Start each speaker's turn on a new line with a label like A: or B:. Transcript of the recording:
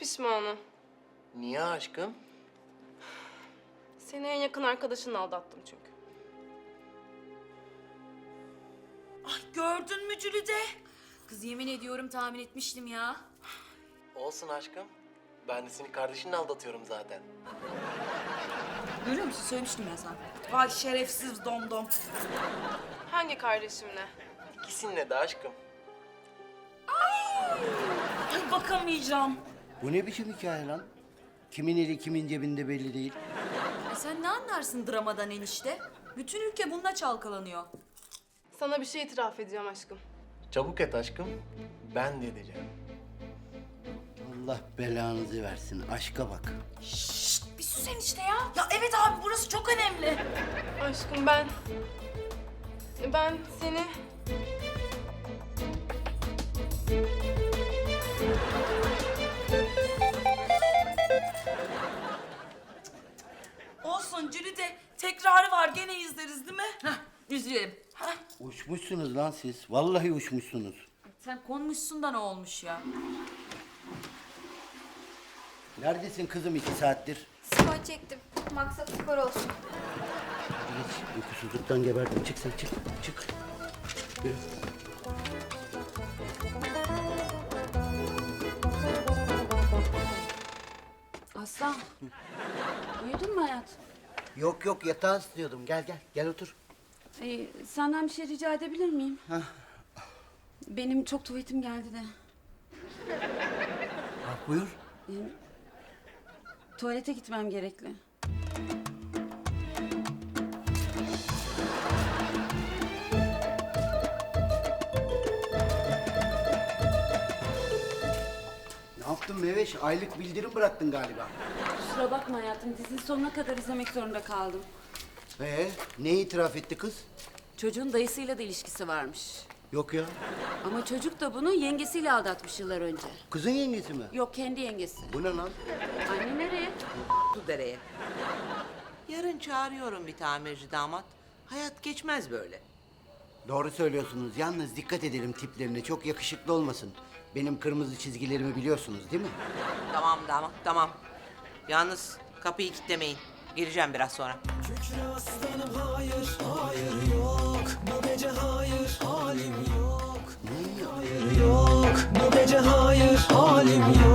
A: pişmanım.
B: Niye aşkım?
A: Seni en yakın arkadaşınla aldattım çünkü.
C: Ay gördün mü Cülide? Kız yemin ediyorum tahmin etmiştim ya.
B: Olsun aşkım. Ben de seni kardeşinle aldatıyorum zaten.
C: Görüyor musun? Söylemiştim ya sana. Vay şerefsiz domdom.
A: Hangi kardeşimle?
B: İkisinle de aşkım.
C: Ay bakamayacağım.
D: Bu ne biçim hikaye lan? Kimin eli kimin cebinde belli değil.
C: Sen ne anlarsın dramadan enişte? Bütün ülke bununla çalkalanıyor.
A: Sana bir şey itiraf edeceğim aşkım.
B: Çabuk et aşkım. Ben de edeceğim.
D: Allah belanızı versin. Aşka bak.
C: Şşt bir sus enişte ya. Ya evet abi burası çok önemli.
A: Aşkım ben seni...
C: Olsun Cülide tekrarı var gene izleriz değil mi? Hah izleyelim. Hah.
D: Uçmuşsunuz lan siz. Vallahi uçmuşsunuz.
C: Sen konmuşsun da ne olmuş ya?
D: Neredesin kızım 2 saattir?
E: Spor çektim. Maksat spor olsun.
D: Hadi geç. Uykusuzluktan geberdim. Çık sen çık. Çık. Yürü.
F: Aslan. Uyudun mu hayat?
D: Yok yok yatağı istiyordum. Gel gel. Gel otur.
F: Senden bir şey rica edebilir miyim? Benim çok tuvaletim geldi de.
D: Bak buyur.
F: Tuvalete gitmem gerekli.
D: Ne yaptın Meveş? Aylık bildirim bıraktın galiba.
F: Kusura bakma hayatım. Dizinin sonuna kadar izlemek zorunda kaldım.
D: Ne itiraf etti kız?
F: Çocuğun dayısıyla da ilişkisi varmış.
D: Yok ya.
F: Ama çocuk da bunu yengesiyle aldatmış yıllar önce.
D: Kızın yengesi mi?
F: Yok kendi yengesi.
D: Bu ne lan?
F: Anne nereye?
G: Dereye. Yarın çağırıyorum bir tamirci damat. Hayat geçmez böyle.
D: Doğru söylüyorsunuz. Yalnız dikkat edelim tiplerine. Çok yakışıklı olmasın. Benim kırmızı çizgilerimi biliyorsunuz değil mi?
G: Tamam damat, tamam. Yalnız kapıyı kilitlemeyin. Gireceğim biraz sonra.
H: Kükre aslanım hayır, hayır yok. Bu gece hayır, halim yok. Hayır yok, bu gece hayır, halim yok.